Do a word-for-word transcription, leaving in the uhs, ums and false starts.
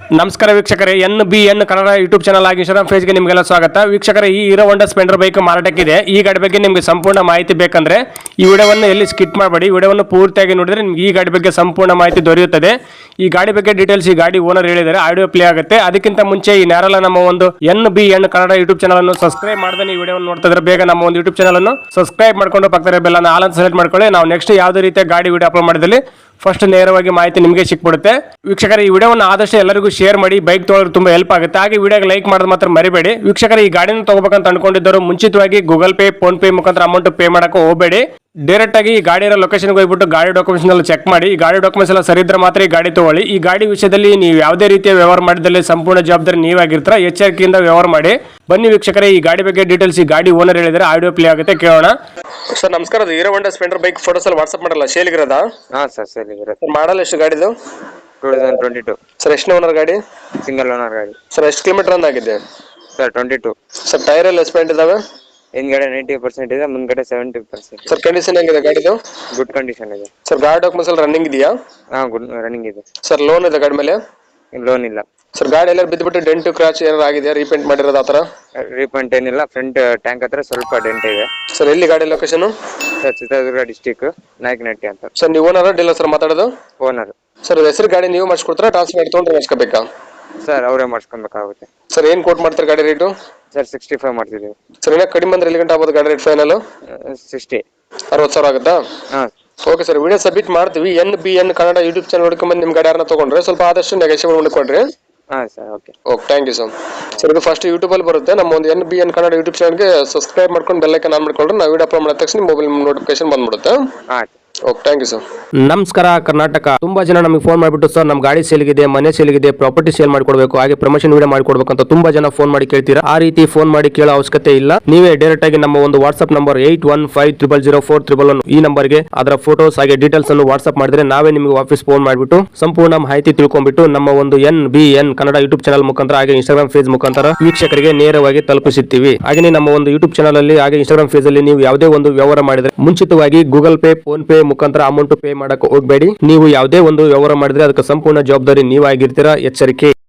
ನಮಸ್ಕಾರ ವೀಕ್ಷಕರೇ, N B N Kannada YouTube channel ಆಗಿ ಇನ್ಸ್ಟಾಗ್ರಾಮ್ ಪೇಜ್ಗೆ ನಿಮಗೆಲ್ಲ ಸ್ವಾಗತ. ವೀಕ್ಷಕರೇ, ಈ ಹೀರೋ ಹೋಂಡಾ ಸ್ಪ್ಲೆಂಡರ್ ಬೈಕ್ ಮಾರಾಟಕ್ಕಿದೆ. ಈ ಗಾಡಿ ಬಗ್ಗೆ ನಿಮಗೆ ಸಂಪೂರ್ಣ ಮಾಹಿತಿ ಬೇಕಂದ್ರೆ ಈ ವಿಡಿಯೋವನ್ನು ಎಲ್ಲಿ ಸ್ಕಿಪ್ ಮಾಡಬೇಡಿ, ವಿಡಿಯೋವನ್ನು ಪೂರ್ತಿಯಾಗಿ ನೋಡಿದ್ರೆ ನಿಮ್ಗೆ ಈ ಗಾಡಿ ಬಗ್ಗೆ ಸಂಪೂರ್ಣ ಮಾಹಿತಿ ದೊರೆಯುತ್ತದೆ. ಈ ಗಾಡಿ ಬಗ್ಗೆ ಡೀಟೇಲ್ಸ್ ಈ ಗಾಡಿ ಓನರ್ ಹೇಳಿದರೆ ಆಡಿಯೋ ಪ್ಲೇ ಆಗುತ್ತೆ. ಅದಕ್ಕಿಂತ ಮುಂಚೆ ಈ ನ್ಯಾರಲ್ಲ ನಮ್ಮ ಒಂದು N B N Kannada YouTube channel ಅನ್ನು ಸಬ್ಸ್ಕ್ರೈಬ್ ಮಾಡದೆ ಈ ವಿಡಿಯೋವನ್ನು ನೋಡ್ತಾ ಇದ್ರೆ ಬೇಗ ನಮ್ಮ ಒಂದು ಯೂಟ್ಯೂಬ್ ಚಾನಲ್ ಅನ್ನು ಸಬ್ಸ್ಕ್ರೈಬ್ ಮಾಡ್ಕೊಂಡು ಪಕ್ಕದ ಬೆಲ್ ಅನ್ನು ಆಲ್ ಅಂತ ಸೆಲೆಕ್ಟ್ ಮಾಡ್ಕೊಳ್ಳಿ. ನಾವು ನೆಕ್ಸ್ಟ್ ಯಾವುದೇ ರೀತಿಯ ಗಾಡಿ ವಿಡಿಯೋ ಅಪ್ಲೋಡ್ ಮಾಡಿದಲ್ಲಿ ಫಸ್ಟ್ ನೇರವಾಗಿ ಮಾಹಿತಿ ನಿಮಗೆ ಸಿಕ್ಬಿಡುತ್ತೆ. ವೀಕ್ಷಕರ, ಈ ವಿಡಿಯೋವನ್ನು ಆದಷ್ಟು ಎಲ್ಲರಿಗೂ ಶೇರ್ ಮಾಡಿ, ಬೈಕ್ ತೊಗೊಳ್ಳೋದು ತುಂಬಾ ಹೆಲ್ಪ್ ಆಗುತ್ತೆ. ಹಾಗೆ ವಿಡಿಯೋಗೆ ಲೈಕ್ ಮಾಡೋದು ಮಾತ್ರ ಮರಿಬೇಡಿ. ವೀಕ್ಷಕರ, ಈ ಗಾಡಿನ ತಗೋಬೇಕಂತ ಅನ್ಕೊಂಡಿದ್ದರು ಮುಂಚಿತವಾಗಿ ಗೂಗಲ್ ಪೇ, ಫೋನ್ ಪೇ ಮುಖಾಂತರ ಅಮೌಂಟ್ ಪೇ ಮಾಡಕ್ಕೆ ಹೋಗಬೇಡಿ. ಡೈರೆಕ್ಟ್ ಆಗಿ ಈ ಗಾಡಿಯ ಲೊಕೇಶನ್ಗೆ ಹೋಗ್ಬಿಟ್ಟು ಗಾಡಿ ಡಾಕ್ಯುಮೆಂಟ್ಸ್ ಎಲ್ಲ ಚೆಕ್ ಮಾಡಿ. ಈ ಗಾಡಿ ಡಾಕ್ಯುಮೆಂಟ್ಸ್ ಎಲ್ಲ ಸರಿ ಇದ್ರೆ ಮಾತ್ರ ಈ ಗಾಡಿ ತಗೊಳ್ಳಿ. ಈ ಗಾಡಿ ವಿಷಯದಲ್ಲಿ ನೀವು ಯಾವುದೇ ರೀತಿಯ ವ್ಯವಹಾರ ಮಾಡಿದಲ್ಲಿ ಸಂಪೂರ್ಣ ಜವಾಬ್ದಾರಿ ನೀವಾಗಿರ್ತೀರ. ಎಚ್ಚರಿಕೆಯಿಂದ ವ್ಯವಹಾರ ಮಾಡಿ. ಬನ್ನಿ ವೀಕ್ಷಕರೇ, ಈ ಗಾಡಿ ಬಗ್ಗೆ ಡೀಟೇಲ್ಸ್ ಈ ಗಾಡಿ ಓನರ್ ಹೇಳಿದ್ರೆ ಆಡಿಯೋ ಪ್ಲೇ ಆಗುತ್ತೆ, ಕೇಳೋಣ. ಸರ್ ನಮಸ್ಕಾರ, ಅದು Hero Honda Splendor bike photos ಎಲ್ಲ ವಾಟ್ಸ್ಆಪ್ ಮಾಡಲ್ಲ, ಸೇಲಿಗಿರೋದಾ? ಹಾ ಸರ್, ಸೇಲಿಗಿರೋದು. ಮಾಡಲ್ ಎಷ್ಟು ಗಾಡಿದು? Two thousand twenty two. Sir ಎಷ್ಟು ಓನರ್ ಗಾಡಿ? ಸಿಂಗಲ್ ಓನರ್ ಗಾಡಿ. ಸರ್ ಎಷ್ಟು ಕಿಲೋಮೀಟರ್ ರನ್ ಆಗಿದೆ? Sir twenty two. Sir tyre ಎಲ್ಲ ಎಸ್ಪೆಂಟ್ ಇದಾವೆ? ಹಿಂದ್ಗಡೆ ನೈಂಟಿ ಪರ್ಸೆಂಟ್ ಇದೆ, ಮುಂದ್ಗಡೆ ಸೆವೆಂಟಿ ಪರ್ಸೆಂಟ್. ಸರ್ ಕಂಡೀಷನ್ ಹೆಂಗಿದೆ ಗಾಡಿದು? ಗುಡ್ ಕಂಡೀಷನ್ ಇದೆ. ಸರ್ ಗಾಡಿ ಡಾಕ್ಯುಮೆಂಟ್ಸ್ ಎಲ್ಲ ರನ್ನಿಂಗ್ ಇದೆಯಾ? ಹಾ, ಗುಡ್ ರನ್ನಿಂಗ್ ಇದೆ. ಸರ್ ಲೋನ್ ಇದೆ ಗಾಡಿ ಮೇಲೆ? ಲೋನ್ ಇಲ್ಲ. ಸರ್ ಗಾಡಿ ಎಲ್ಲ ಬಿದ್ದುಬಿಟ್ಟು ಡೆಂಟು ಕ್ರಾಚ್ ಏನಾರು ಆಗಿದೆಯಾ? ರೀಪೇಂಟ್ ಮಾಡಿರೋದು ಆ ಥರ? ರೀಪೇಂಟ್ ಏನಿಲ್ಲ, ಫ್ರಂಟ್ ಟ್ಯಾಂಕ್ ಹತ್ರ ಸ್ವಲ್ಪ ಡೆಂಟ್ ಇದೆ. ಸರ್ ಎಲ್ಲಿ ಗಾಡಿ location? Sir Chitradurga district, Nayakanahatti ಅಂತ. ಸರ್ ನೀವು ಓನರ್ ಡೀಲರ್ ಸರ್ ಮಾತಾಡೋದು? ಓನರ್. ಸರ್ ಹೆಸರು ಗಾಡಿ ನೀವು ಮಾಡಿಸ್ಕೊಡ್ತಾರಾ, ಟ್ರಾನ್ಸ್ಫರ್ ಮಾಡಿ ತೊಗೊಂಡ್ರೆ ಮಾಡಿಸ್ಕೋಬೇಕಾ? ಸರ್ ಅವರೇ ಮಾಡಿಸ್ಕೊಬೇಕಾಗುತ್ತೆ. ಸರ್ ಏನು ಕೋಟ್ ಮಾಡ್ತಾರೆ ಗಾಡಿ ರೇಟು? ಸರ್ ಸಿಕ್ಸ್ಟಿ ಫೈವ್ ಮಾಡ್ತಿದ್ದೀವಿ. ಸರ್ ಇನ್ನೂ ಕಡಿಮೆ ಅಂದ್ರೆ ಎಲ್ಲಿ ಗಂಟೆ ಆಗ್ಬೋದು ಗಾಡಿ ರೇಟ್ ಫೈನಲ್? ಸಿಕ್ಸ್ಟಿ. ಅರವತ್ತು ಸಾವಿರ ಆಗುತ್ತಾ? ಹಾಂ. ಓಕೆ ಸರ್, ವಿಡಿಯೋ ಸಬ್ಮಿಟ್ ಮಾಡ್ತೀವಿ. N B N Kannada YouTube channel ಹುಡ್ಕೊಂಡ್ಬಂದು ನಿಮ್ಮ ಗಾಡಿ ಯಾರನ್ನ ತೊಗೊಂಡ್ರೆ ಸ್ವಲ್ಪ ಆದಷ್ಟು ನೆಗೋಷಿಯೇಟ್ ಮಾಡಿಕೊಡ್ರಿ. ಹಾಂ sir, okay okay, thank you sir. Sir ಇದು ಫಸ್ಟ್ ಯೂಟ್ಯೂಬಲ್ಲಿ ಬರುತ್ತೆ. ನಮ್ಮ ಒಂದು N B N Kannada YouTube ಚಾನಲ್ಗೆ ಸಬ್ಸ್ಕ್ರೈಬ್ ಮಾಡ್ಕೊಂಡು ಬೆಲ್ ಐಕಾನ್ ಆನ್ ಮಾಡ್ಕೊಂಡ್ರೆ ನಾವು ವಿಡಿಯೋ ಅಪ್ಲೋಡ್ ಮಾಡಿದ ತಕ್ಷಣ ಮೊಬೈಲ್ ನೋಟಿಫಿಕೇಶನ್ ಬಂದ್ಬಿಡುತ್ತೆ. ಆಯ್ತು. Okay, thank you sir. ನಮಸ್ಕಾರ ಕರ್ನಾಟಕ. ತುಂಬಾ ಜನ ನಮಗೆ ಫೋನ್ ಮಾಡಿಬಿಟ್ಟು ಸರ್ ನಮ್ಮ ಗಾಡಿ ಸೇಲ್ಗಿದೆ, ಮನೆ ಸೇಲ್ಗಿದೆ, ಪ್ರಾಪರ್ಟಿ ಸೇಲ್ ಮಾಡ್ಕೊಡ್ಬೇಕು, ಹಾಗೆ ಪ್ರಮೋಷನ್ ವಿಡಿಯೋ ಮಾಡ್ಕೊಡ್ಬೇಕು ಅಂತ ತುಂಬಾ ಜನ ಫೋನ್ ಮಾಡಿ ಕೇಳ್ತೀರಾ. ಆ ರೀತಿ ಫೋನ್ ಮಾಡಿ ಕೇಳೋ ಅವಶ್ಯಕತೆ ಇಲ್ಲ. ನೀವೇ ಡೈರೆಕ್ಟ್ ಆಗಿ ನಮ್ಮ ಒಂದು WhatsApp number eight one five triple zero four triple one ಈ ನಂಬರ್ಗೆ ಅದರ ಫೋಟೋಸ್ ಹಾಗೆ ಡೀಟೇಲ್ಸ್ ಅನ್ನು ವಾಟ್ಸ್ಆಪ್ ಮಾಡಿದ್ರೆ ನಾವೇ ನಿಮಗೆ ವಾಪಸ್ ಫೋನ್ ಮಾಡಿಬಿಟ್ಟು ಸಂಪೂರ್ಣ ಮಾಹಿತಿ ತಿಳ್ಕೊಂಡ್ಬಿಟ್ಟು ನಮ್ಮ ಒಂದು N B N Kannada YouTube channel ಮುಖಾಂತರ ಹಾಗೆ ಇನ್ಸ್ಟಾಗ್ರಾಮ್ ಪೇಜ್ ಮುಖಾಂತರ ವೀಕ್ಷಕರಿಗೆ ನೇರವಾಗಿ ತಲುಪಿಸುತ್ತೀವಿ. ಹಾಗೆ ನಮ್ಮ ಒಂದು ಯೂಟ್ಯೂಬ್ ಚಾನಲ್ ಅಲ್ಲಿ ಹಾಗೆ ಇನ್ಸ್ಟಾಗ್ರಾಮ್ ಪೇಜ್ ಅಲ್ಲಿ ನೀವು ಯಾವುದೇ ಒಂದು ವ್ಯವಹಾರ ಮಾಡಿದ್ರೆ ಮುಂಚಿತವಾಗಿ ಗೂಗಲ್ ಪೇ, ಫೋನ್ ಪೇ ಮುಖಾಂತರ ಅಮೌಂಟ್ ಪೇ ಮಾಡಕ್ಕೆ ಹೋಗಬೇಡಿ. ನೀವು ಯಾವುದೇ ಒಂದು ವ್ಯವಹಾರ ಮಾಡಿದ್ರೆ ಅದಕ್ಕೆ ಸಂಪೂರ್ಣ ಜವಾಬ್ದಾರಿ ನೀವಾಗಿರ್ತೀರಾ. ಎಚ್ಚರಿಕೆ.